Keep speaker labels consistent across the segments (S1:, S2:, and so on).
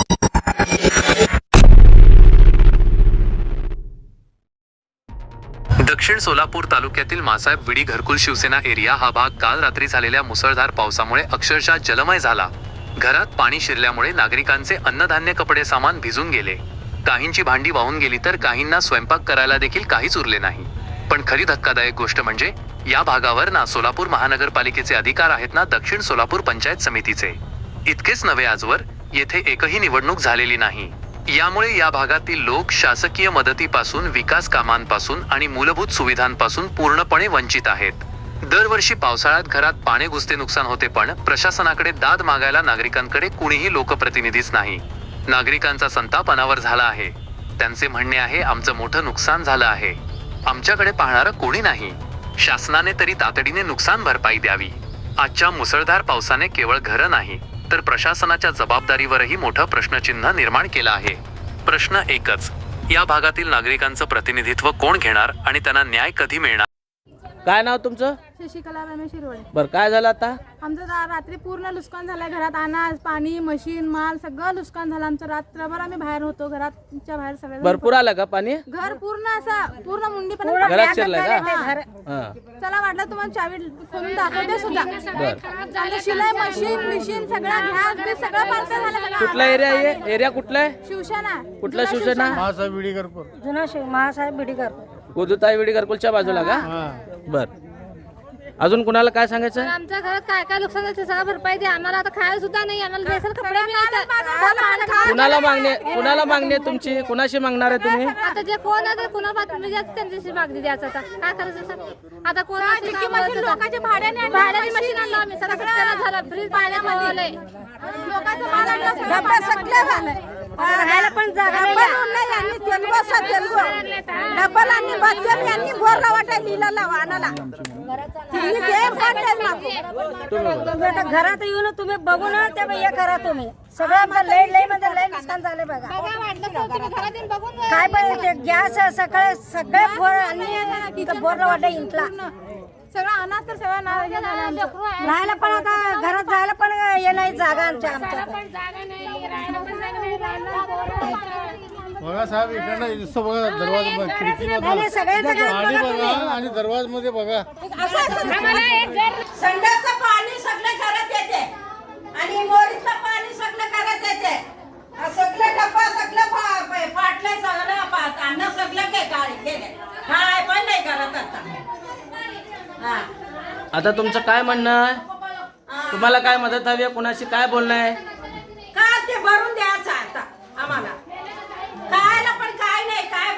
S1: दक्षिण सोलापूर तालुक्यातील मासाहेब विडी घरकुल शिवसेना एरिया हा भाग काल रात्री झालेल्या मुसळधार पावसामुळे अक्षरशः जलमय झाला। घरात पाणी शिरल्यामुळे नागरिकांचे अन्नधान्य कपडे सामान भिजून गेले। काहींची भांडी वाहून गेली तर काहींना स्वयंपाक करायला देखील काहीच उरले नाही। पण खरी धक्कादायक गोष्ट म्हणजे या भागावर ना सोलापूर महानगरपालिकेचे अधिकार आहेत ना दक्षिण सोलापूर पंचायत समितीचे। इतकेच नव्हे, आजवर येथे एकही निवडणूक झालेली नाही। यामुळे या भागातील लोक शासकीय मदतीपासून, विकास कामांपासून आणि मूलभूत सुविधांपासून पूर्णपणे वंचित आहेत। दरवर्षी पावसाळ्यात घरात पाणी घुसते, नुकसान होते, पण प्रशासनाकडे दाद मागायला नागरिकांकडे कुणीही लोकप्रतिनिधीच नाही। नागरिकांचा संताप अनावर झाला आहे। त्यांचे म्हणणे आहे, आमचं मोठं नुकसान झालं आहे, आमच्याकडे पाहणारं कोणी नाही। शासनाने तरी तातडीने नुकसान भरपाई द्यावी। आजच्या मुसळधार पावसाने केवळ घरं नाही तर प्रशासनाच्या जबाबदारीवरही मोठं प्रश्नचिन्ह निर्माण केलं आहे। प्रश्न एकच, या भागातील नागरिकांचं प्रतिनिधित्व कोण घेणार आणि त्यांना न्याय कधी मिळणार?
S2: काय नाव तुमचं?
S3: शशिकला रमेश हिरवळे।
S2: बरं, काय झालं आता?
S3: आमचं रात्री पूर्ण नुकसान झालंय। घरात अनाज, पाणी, मशीन, माल सगळं नुकसान झालं आमचं। रात्रभर आम्ही बाहेर होतो, घराच्या बाहेर सगळे।
S2: भरपूर आलं का पाणी?
S3: घर पूर्ण असं पूर्ण मुंडी पण
S2: घरात शिरलंय का?
S3: चला वाटलं तुम्हाला चावी खोलून दाखवते सुद्धा। शिलाई मशीन सगळं घ्या, सगळं पार्सल झालं सगळं।
S2: कुठला एरिया आहे? एरिया कुठला आहे?
S3: शिवसेना।
S2: कुठला शिवसेना?
S4: मासाहेब विडी घरकुल,
S3: जुना महासाहेब बिडी घरकुल,
S2: गोदुताई विडी घरकुलच्या बाजूला का? बर, अजून कुणाला काय सांगायचं?
S5: आमच्या घरात काय काय नुकसान झालं ते सगळं भरपाई द्या आम्हाला। आता खायला सुद्धा नाही, आम्हाला रेशन कपडे बी नाही।
S2: कुणाला मागणी आहे तुमची? कुणाशी मागणार आहे तुम्ही?
S5: आता जे कोण आहे कुणाला त्यांच्याशी मागणी द्यायचं। आता काय करायचं? आता कोण
S3: लोकांच्या भाड्याने
S5: भाड्याची मशीन आणलं आम्ही, सगळं त्याला झालं, फ्रीज पाण्यामध्ये
S3: लोकांचं भाडं सगळं झालंय।
S5: राहायला पण जागा
S3: डबल आणि बच्चन यांनी बोरला वाटाय लिहिला लावा आणाला।
S5: घरात येऊन तुम्ही बघून ते हे करा तुम्ही सगळं। आमचं लय म्हणजे लय नुकसान झालं बघा। काय पण ते गॅस सगळे फोर आणि बोरला वाटा इंटला
S3: सगळं अनाज तर सगळं
S5: राहायला पण आता घरात जायला पण हे नाही जागा आमच्या
S4: बघा साहेब, इकडनं दिसतो बघा दरवाजा, खिडकीमधून पाणी बघा आणि दरवाजामध्ये बघा।
S6: संडासचं पाणी सगळं घरात येते आणि मोरीचं पाणी सगळं घरात येते। सगळं डब्बा सगळं फाटलंय, सगळं अन्न सगळं काय पण नाही करत आता।
S2: आता तुमचं काय म्हणणं आहे? तुम्हाला काय मदत हवी आहे? कुणाशी काय बोलणं आहे?
S6: का ते भरून द्यायचं आता आम्हाला? खायला पण काय नाही, काय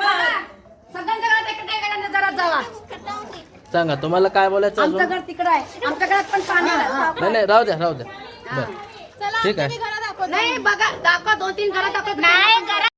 S5: जरा जावा
S2: सांगा, तुम्हाला काय बोलायचं अजून?
S5: आमचं घर तिकडं आहे, आमच्या घरात पण पाणी
S2: नाही, राहू द्या। बरं, ठीक आहे।
S5: नाही बघा, दाखवा 2-3 घरात दाखवत नाही।